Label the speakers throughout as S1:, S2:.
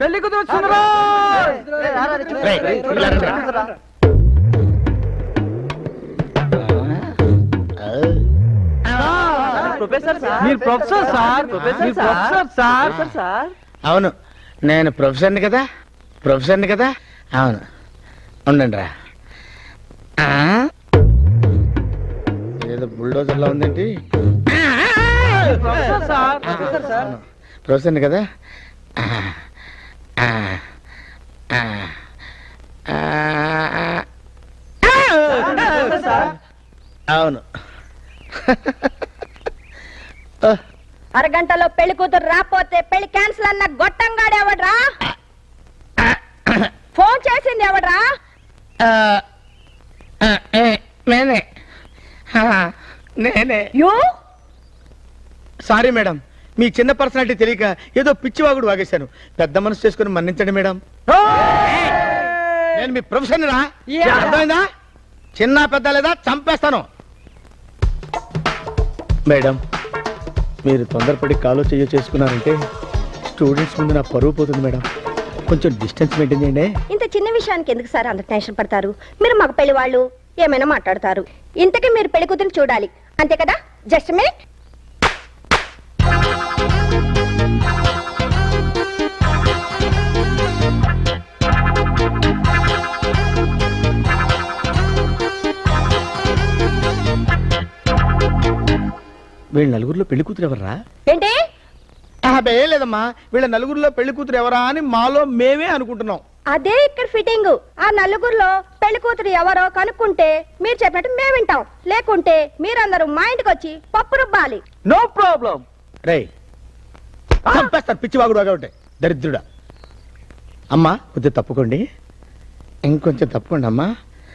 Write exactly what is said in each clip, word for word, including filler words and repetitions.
S1: పెళ్లి కూతురు వచ్చిందిరా.
S2: ప్రొఫెసర్ సార్,
S1: మీరు professor sir, professor sir.
S2: Sir
S3: అవును, నేను ప్రొఫెసర్ని కదా, ప్రొఫెసర్ని కదా. అవును, ఉండండి రా. ఏదో బుల్డోజర్లా ఉందేంటి?
S1: Professor sir, professor sir.
S3: ప్రొఫెసర్ని కదా. అవును.
S4: అరగంటలో పెళ్లి కూతురు రాపోతే పెళ్లి క్యాన్సిల్ అన్న గొట్టంగాడు ఎవడ్రా? ఫోన్ చేసింది ఎవడ్రా?
S3: నేనే నేనే
S4: యూ
S3: సారీ మేడం, మీ చిన్న పర్సనాలిటీ తెలియక ఏదో పిచ్చివాగుడు వాగేశాను. పెద్ద మనసు చేసుకుని మన్నించండి మేడం. నేను మీ ప్రొఫెసర్ రా, అర్థమైందా? చిన్న పెద్ద లేదా చంపేస్తాను. మేడం, మీరు తొందరపడి కాలో చెయ్యో చేసుకున్నారంటే స్టూడెంట్స్ ముందు నా పరువు పోతుంది మేడం. కొంచెం డిస్టెన్స్ మెయింటైన్ చేయండి.
S4: ఇంత చిన్న విషయానికి ఎందుకు సార్ అంత టెన్షన్ పడతారు? మీరు మగ పెళ్లి వాళ్ళు ఏమైనా మాట్లాడతారు. ఇంతకీ మీరు పెళ్లి కూతురు చూడాలి అంతే కదా? Just minute.
S3: వీళ్ళ నలుగురిలో పెళ్లి కూతురు ఎవర్రా?
S4: ఏంటి?
S3: అదే లేదమ్మా, వీళ్ళ నలుగురిలో పెళ్లి కూతురు ఎవరా అని మాలో మేమే అనుకుంటున్నాం.
S4: అదే ఇక్కడ ఫిట్టింగ్. ఆ నలుగురిలో పెళ్లి కూతురు ఎవరో కనుక్కుంటే మీరు చెప్పినట్టు మేము వింటాం. లేకుంటే మీరందరూ మా ఇంటికి వచ్చి పప్పు రుబ్బాలి.
S1: No problem.
S3: రే చంపేస్తారు పిచ్చివాగుడు ఒకటి దరిద్రుడా. అమ్మా కొద్దిగా తప్పుకోండి, ఇంకొంచెం తప్పుకోండి అమ్మా.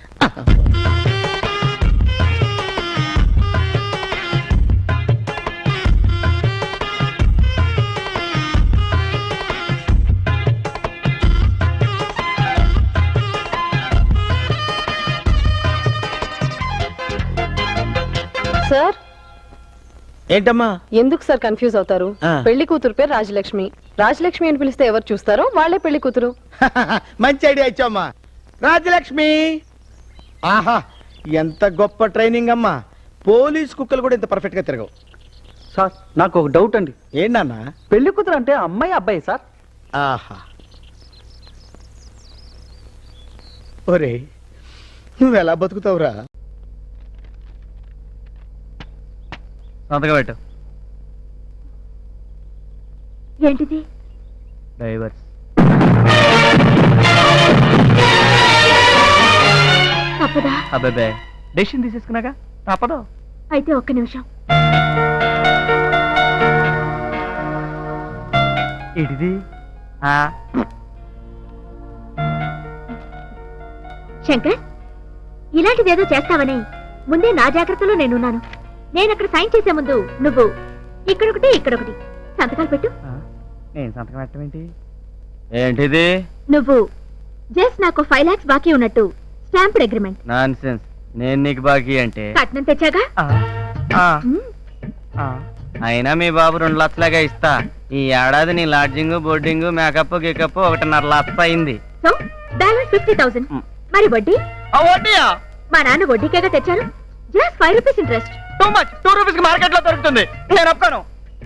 S2: సార్
S3: ఏంటమ్మా?
S2: ఎందుకు సార్ కన్ఫ్యూజ్ అవుతారు? పెళ్లి కూతురు పేరు రాజలక్ష్మి. రాజలక్ష్మి అని పిలిస్తే ఎవరు చూస్తారో వాళ్ళే పెళ్లి కూతురు.
S3: మంచి ఐడియా ఇచ్చామ్మా. రాజలక్ష్మి, ఆహా ఎంత గొప్ప ట్రైనింగ్ అమ్మా. పోలీస్ కుక్కలు కూడా ఇంత పర్ఫెక్ట్ గా తిరగవు.
S1: సార్ నాకు ఒక డౌట్ అండి.
S3: ఏంటన్నా?
S1: పెళ్లి కూతురు అంటే అమ్మాయి అబ్బాయి సార్?
S3: ఆహా, ఒరే నువ్వు ఎలా బతుకుతావురా?
S1: సంతకం పెట్టు.
S4: ఏంటిది?
S1: డైవర్స్.
S4: తప్పదా?
S1: అబ్బాయి డెసిషన్ తీసేసుకున్నాక తప్పదు.
S4: అయితే ఒక్క నిమిషం.
S1: ఏంటిది?
S4: శంకర్, ఇలాంటిదేదో చేస్తావని ముందే నా జాగ్రత్తలో నేనున్నాను. నేను అక్కడ సైన్ చేసే ముందు నువ్వు ఇక్కడొకటి ఇక్కడొకటి సంతకాలు పెట్టు.
S1: నేను సంతకం పెట్టడం ఏంటి? ఏంటిది?
S4: నువ్వు జస్ట్ నాకు ఫైవ్ లాక్స్ బాకీ ఉన్నట్టు స్టాంప్డ్ అగ్రిమెంట్.
S1: నాన్సెన్స్. నేను నీకు బాకీ అంటే
S4: కట్నం తెచ్చాగా?
S1: అయినా మీ బాబు రెండు లక్షలాగా ఇస్తా. ఈ ఏడాది నీ లాడ్జింగ్ బోర్డింగ్ మేకప్ గికప్ ఒకటిన్నర లక్ష అయింది.
S4: So balance fifty thousand. మరి వడ్డీ? మా నాన్న వడ్డీకేగా తెచ్చారు. Just five rupees interest.
S1: Too much. Two rupees కి మార్కెట్ లో దొరుకుతుంది. నేను ఒప్పుకోను.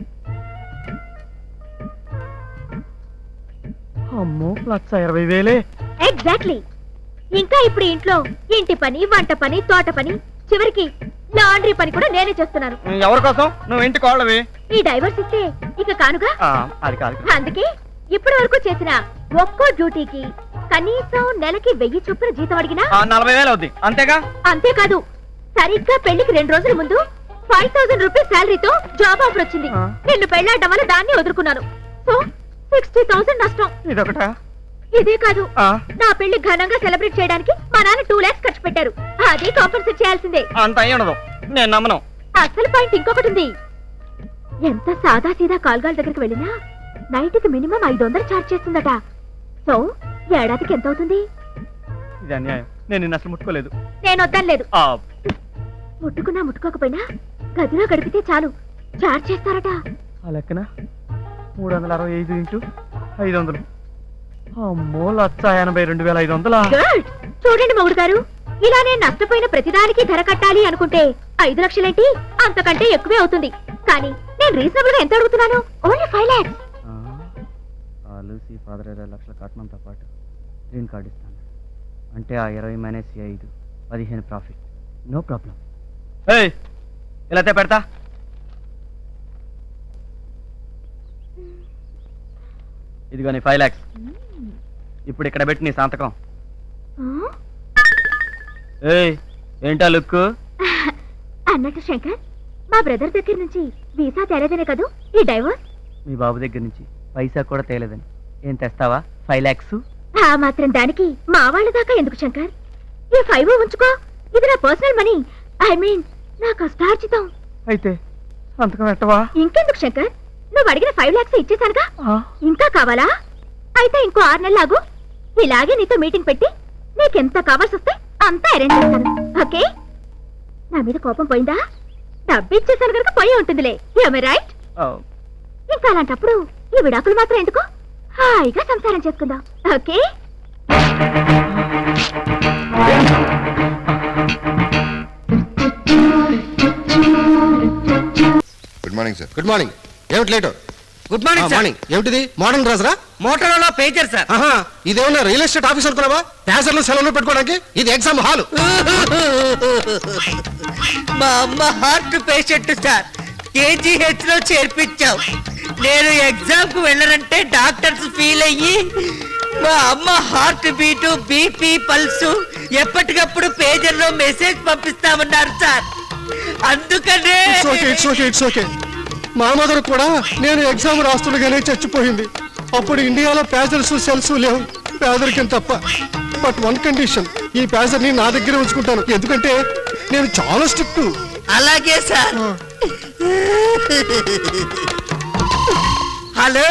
S1: అమ్మో, లక్ష ఇరవై వేలే.
S4: ఎగ్జాక్ట్లీ. ఇంకా ఇప్పుడు ఇంట్లో ఇంటి పని, వంట పని, తోట పని, చివరికి లాండ్రీ పని కూడా నేనే చేస్తున్నాను.
S1: ఎవరి కోసం? నువ్వు ఇంటి కోళ్ళవి.
S4: ఈ డైవర్స్ ఇస్తే ఇక కానుగా.
S1: అది కాదు.
S4: అందుకే ఇప్పటి వరకు చేసిన ఒక్కో డ్యూటీకి కనీసం నెలకి వెయ్యి చొప్పున జీతం అడిగినా
S1: నలభై వేలు అవుద్ది. అంతేగా?
S4: అంతేకాదు, సరిగ్గా పెళ్లికి రెండు రోజుల ముందు ఫైవ్ థౌసండ్ రూపీస్ శాలరీతో జాబ్ ఆఫర్ వచ్చింది. నిన్ను పెళ్లాడడం వల్ల దాన్ని వదులుకున్నాను. సో సిక్స్టీ థౌసండ్ నష్టం.
S1: ఇదొకటా?
S4: ఇదే కాదు, నా పెళ్లి ఘనంగా సెలబ్రేట్ చేయడానికి మా నాన్న టూ లాక్స్ ఖర్చు పెట్టారు. అది కాంపన్సేట్ చేయాల్సిందే.
S1: అంత అయ్యి ఉండదు, నేను నమ్మను.
S4: అసలు పాయింట్ ఇంకొకటి ఉంది. ఎంత సాదా సీదా కాల్గాల దగ్గరికి వెళ్ళినా నైట్ కి మినిమం ఐదు వందలు చార్జ్ చేస్తుందట. సో ఏడాదికి ఎంత అవుతుంది?
S1: ఇది అన్యాయం. నేను నిన్ను అసలు ముట్టుకోలేదు.
S4: నేను వద్దనలేదు. ముట్టుకున్నా ముట్టుకోకపోయినా గదిలో గడిపితే చాలు చార్జ్ చేస్తారట.
S1: ఆ లెక్కన మూడు వందల అరవై ఐదు ఇంటూ ఐదు వందలు అమ్మో లచ్చ ఎనభై రెండు వేల ఐదు వందల
S4: గుడ్. చూడండి మొగుడు గారు, ఇలా నేను నష్టపోయిన ప్రతిదానికి ధర కట్టాలి అనుకుంటే ఐదు లక్షలేంటి అంతకంటే ఎక్కువే అవుతుంది. కానీ నేను రీజనబుల్ గా ఎంత అడుగుతున్నాను? Only five lakhs.
S1: Lucy father ఇరవై లక్షల కట్నంతో పాటు గ్రీన్ కార్డ్ ఇస్తాను అంటే ఆ ఇరవై మైనస్ ఐదు పదిహేను ప్రాఫిట్. No problem. ఇలా పెడతా. ఇదిగో నీ ఫైవ్ ల్యాక్స్. ఇప్పుడు ఇక్కడ పెట్టి నీ సంతకం. ఏయ్ ఏంటా లుక్?
S4: అన్నట్టు శంకర్, మా బ్రదర్ దగ్గర నుంచి వీసా తేలేదనే కదూ ఈ డైవర్స్?
S1: మీ బాబు దగ్గర నుంచి పైసా కూడా తేలేదని. ఏం తెస్తావా? ఫైవ్ ల్యాక్స్.
S4: ఆ మాత్రం దానికి మా వాళ్ళ దాకా ఎందుకు శంకర్? ఈ ఫైవ్ ఉంచుకో, ఇది నా పర్సనల్ మనీ. ఐ మీన్ నా కష్టార్జితం.
S1: అయితే సంతకం పెట్టవా?
S4: ఇంకెందుకు శంకర్, నువ్వు అడిగిన ఫైవ్ లాక్స్ ఇచ్చేసానుగా. ఇంకా కావాలా? అయితే ఇంకో ఆరు నెలలు ఆగు. ఇలాగే నీతో మీటింగ్ పెట్టి నీకెంత కావాల్సి వస్తే అంతా అరేంజ్ చేస్తాను. ఓకే? నా మీద కోపం పోయిందా? డబ్బు ఇచ్చేసాను కనుక పోయి ఉంటుందిలే. రైట్? ఇంకా అలాంటప్పుడు ఈ విడాకులు మాత్రం ఎందుకు? హాయిగా సంసారం చేసుకుందాం. Okay?
S5: Good morning sir. Good morning. ఏమిటి late?
S6: Good morning sir.
S5: Morning ఏమిటిది? మార్నింగ్ రాజరా?
S6: Motorola pager sir.
S5: ఆహా, ఇదేమన్నా రియల్ ఎస్టేట్ ఆఫీస్ అనుకున్నావా? ప్యాసర్లు సెలవులు పెట్టుకోవడానికి? ఇది ఎగ్జామ్ హాల్.
S6: మా అమ్మ హార్ట్ పేషెంట్ సార్, కేజీహెచ్ లో చేర్పించాం. నేను ఎగ్జామ్ కు వెళ్ళనంటే డాక్టర్స్ ఫీల్ అయ్యి మా అమ్మ హార్ట్ బీటు బీపీ పల్స్ ఎప్పటికప్పుడు పేజర్ లో మెసేజ్ పంపిస్తామన్నారు సార్. అందుకనే
S5: it's okay, it's okay, it's okay. మా మదర్ కూడా నేను ఎగ్జామ్ రాస్తుండగానే చచ్చిపోయింది. అప్పుడు ఇండియాలో ప్యాసర్స్ సెల్స్ లేవు, పేదరికం తప్ప. బట్ వన్ కండిషన్, ఈ ప్యాసర్ ని నా దగ్గర ఉంచుకుంటాను. ఎందుకంటే నేను చాలా స్ట్రిక్ట్.
S6: అలాగే సార్. హలో,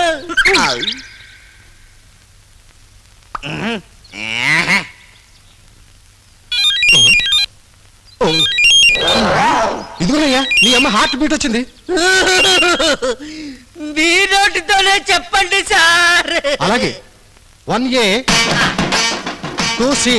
S5: ఇదిగోనయ్యా నీ అమ్మ హార్ట్ బీట్ వచ్చింది.
S6: మీ నోటితోనే చెప్పండి సార్.
S5: అలాగే one A two C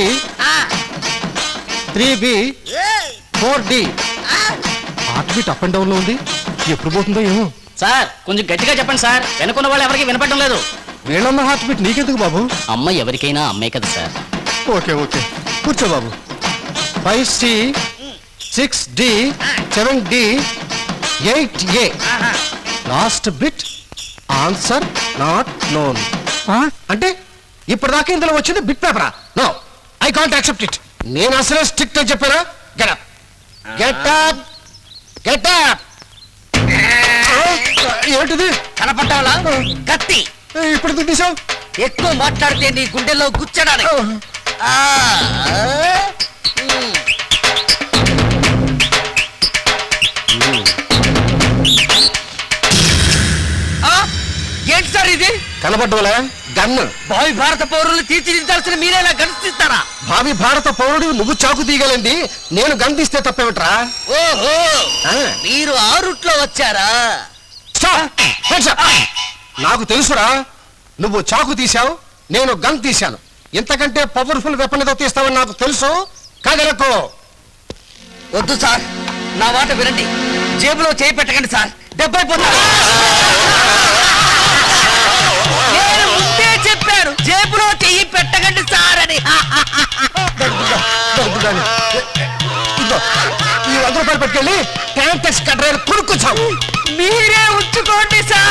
S5: three B four D. Heart beat up and down లో ఉంది. ఎప్పుడు పోతుందో ఏమో.
S7: సార్ కొంచెం గట్టిగా చెప్పండి సార్, వెనుకున్న వాళ్ళు ఎవరికి వినపడడం లేదు.
S5: వీళ్ళమ్మ హార్ట్ బీట్ నీకెందుకు బాబు?
S7: అమ్మ ఎవరికైనా అమ్మే కదా సార్.
S5: ఓకే ఓకే కూర్చో బాబు. Five C six D seven D eight A. Last bit answer not known. అంటే ఇప్పటిదాకా ఇందులో వచ్చింది బిట్ పేపరా? No, I can't accept it. నేను అసలే స్ట్రిక్ట్ అని చెప్పారా? Get up, get up, get up. ఏంటిది?
S6: కనపడ్డావా? కత్తి.
S5: ఇప్పుడు ఎందుకు తీసావు?
S6: ఎక్కువ మాట్లాడితే నీ గుండెల్లో గుచ్చడానికి. ఆ, ఉమ్. ఆ, ఏంటి సార్ ఇది?
S5: కనపడ్డవలే గన్ను.
S6: భావి భారత పౌరులు తీర్చిదిద్దాల్సిన మీరేలా గణిస్తారా?
S5: భావి భారత పౌరుడు నువ్వు చాకు తీయగలండి, నేను గన్ తీస్తే తప్పేమిట్రా?
S6: ఓహో,
S5: ఆ.
S6: మీరు ఆ రూట్ లో వచ్చారా?
S5: Stop! Hands up! నాకు తెలుసురా, నువ్వు చాకు తీశావు, నేను గన్ తీశాను. ఇంతకంటే పవర్ఫుల్ వెపన్ ఏదో తీస్తావని నాకు తెలుసు. కాగలకు
S6: వద్దు సార్, నా మాట వినండి. జేబులో చేయి పెట్టకండి సార్, దెబ్బైపోతారు. నేను ముందే చెప్పాను, జేబులో చెయ్యి పెట్టకండి సార్ అని.
S5: ఇదిగో, ఈ వంద రూపాయలు పెట్టుకెళ్ళి ట్యాంక్ టెక్స్ కట్టర్ కొనుక్కొచ్చావు.
S6: మీరే ఉంచుకోండి సార్.